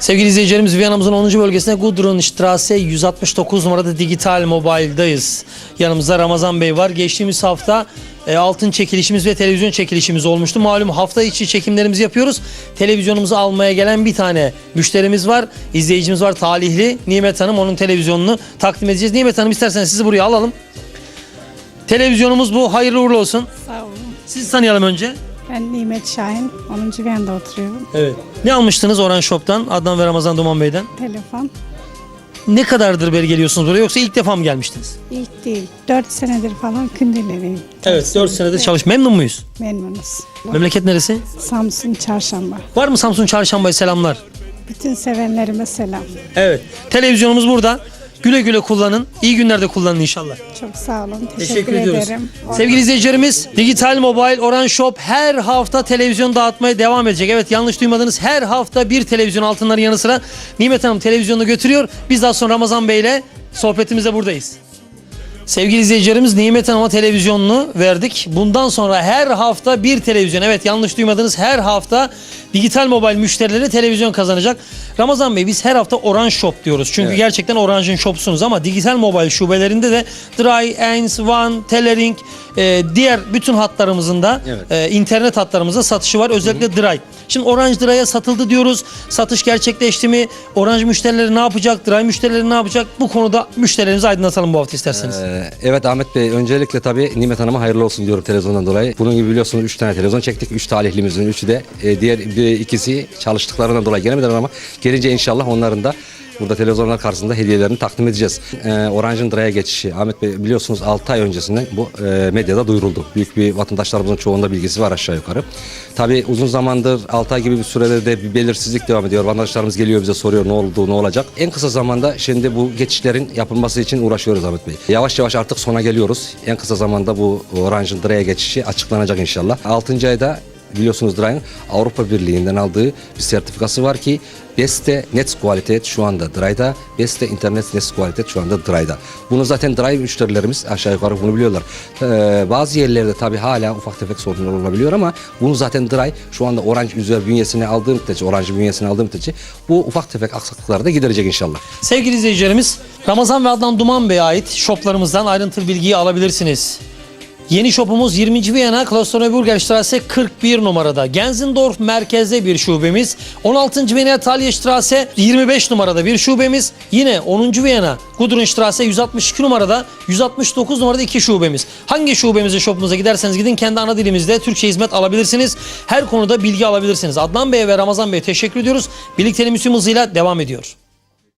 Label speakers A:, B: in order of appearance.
A: Sevgili izleyicilerimiz, Viyana'mızın 10. bölgesinde Gudrunstraße 169 numarada Digital Mobile'dayız. Yanımızda Ramazan Bey var. Geçtiğimiz hafta altın çekilişimiz ve televizyon çekilişimiz olmuştu. Malum hafta içi çekimlerimizi yapıyoruz. Televizyonumuzu almaya gelen bir tane müşterimiz var. İzleyicimiz var, talihli Nimet Hanım. Onun televizyonunu takdim edeceğiz. Nimet Hanım, isterseniz sizi buraya alalım. Televizyonumuz bu. Hayırlı uğurlu olsun.
B: Sağ olun.
A: Sizi tanıyalım önce.
B: Ben Nimet Şahin, 10. Viyana'da oturuyorum.
A: Evet. Ne almıştınız Orange Shop'tan, Adnan ve Ramazan Duman Bey'den?
B: Telefon.
A: Ne kadardır beri geliyorsunuz buraya, yoksa ilk defa mı gelmiştiniz?
B: İlk değil, 4 senedir falan Kündileriyim.
A: Evet, 4 senedir çalış. Memnun muyuz?
B: Memnunuz.
A: Memleket neresi?
B: Samsun Çarşamba.
A: Var mı Samsun Çarşamba'ya selamlar?
B: Bütün sevenlerime selam.
A: Evet. Televizyonumuz burada. Güle güle kullanın. İyi günlerde kullanın inşallah.
B: Çok sağ olun.
A: Teşekkür
B: Teşekkür
A: ediyoruz.
B: ederim.
A: Sevgili izleyicilerimiz, Digital Mobile Orange Shop her hafta televizyon dağıtmaya devam edecek. Evet, yanlış duymadınız. Her hafta bir televizyon, altınların yanı sıra Nimet Hanım televizyonunu götürüyor. Biz daha sonra Ramazan Bey ile sohbetimize buradayız. Sevgili izleyicilerimiz, Nimet Hanım'a televizyonunu verdik. Bundan sonra her hafta bir televizyon. Evet, yanlış duymadınız. Her hafta Digital Mobile müşterileri televizyon kazanacak. Ramazan Bey, biz her hafta Orange Shop diyoruz. Çünkü evet, gerçekten Orange'ın shopsunuz, ama Digital Mobile şubelerinde de Dry, 1, One, Telering, diğer bütün hatlarımızın da internet hatlarımızda satışı var. Özellikle Dry. Şimdi Orange Dry'a satıldı diyoruz. Satış gerçekleşti mi? Orange müşterileri ne yapacak? Dry müşterileri ne yapacak? Bu konuda müşterilerimizi aydınlatalım bu hafta isterseniz.
C: Evet Ahmet Bey, öncelikle tabii Nimet Hanım'a hayırlı olsun diyorum televizyondan dolayı. Bunun gibi biliyorsunuz 3 tane televizyon çektik. 3 talihlimizin 3'ü de diğer ikisi çalıştıklarından dolayı gelemediler, ama gelince inşallah onların da burada televizyonlar karşısında hediyelerini takdim edeceğiz. Orange'ın Dry'a geçişi, Ahmet Bey biliyorsunuz 6 ay öncesinden bu medyada duyuruldu. Büyük bir vatandaşlarımızın çoğunda bilgisi var aşağı yukarı. Tabii uzun zamandır 6 ay gibi bir sürede de bir belirsizlik devam ediyor. Vatandaşlarımız geliyor bize, soruyor ne oldu, ne olacak. En kısa zamanda şimdi bu geçişlerin yapılması için uğraşıyoruz Ahmet Bey. Yavaş yavaş artık sona geliyoruz. En kısa zamanda bu Orange'ın Dry'a geçişi açıklanacak inşallah. 6. ayda biliyorsunuz Dry'ın Avrupa Birliği'nden aldığı bir sertifikası var ki Beste Netzqualität şu anda Dry'da, Beste Internet Netzqualität şu anda Dry'da. Bunu zaten Dry müşterilerimiz aşağı yukarı bunu biliyorlar. Bazı yerlerde tabii hala ufak tefek sorunlar olabiliyor, ama bunu zaten Dry şu anda Orange üzeri bünyesine aldığı müddetçe, Orange bünyesine aldığı müddetçe bu ufak tefek aksaklıkları da giderecek inşallah.
A: Sevgili izleyicilerimiz, Ramazan ve Adnan Duman Bey'e ait shoplarımızdan ayrıntılı bilgiyi alabilirsiniz. Yeni shopumuz 20. Viyana Klosterneuburgerstraße 41 numarada. Gensendorf merkezde bir şubemiz. 16. Viyana Thalierstraße 25 numarada bir şubemiz. Yine 10. Viyana Gudrunstraße 162 numarada, 169 numarada 2 şubemiz. Hangi şubemize, shopumuza giderseniz gidin, kendi ana dilimizde Türkçe hizmet alabilirsiniz. Her konuda bilgi alabilirsiniz. Adnan Bey'e ve Ramazan Bey'e teşekkür ediyoruz. Birlikteliğimiz tüm hızıyla devam ediyor.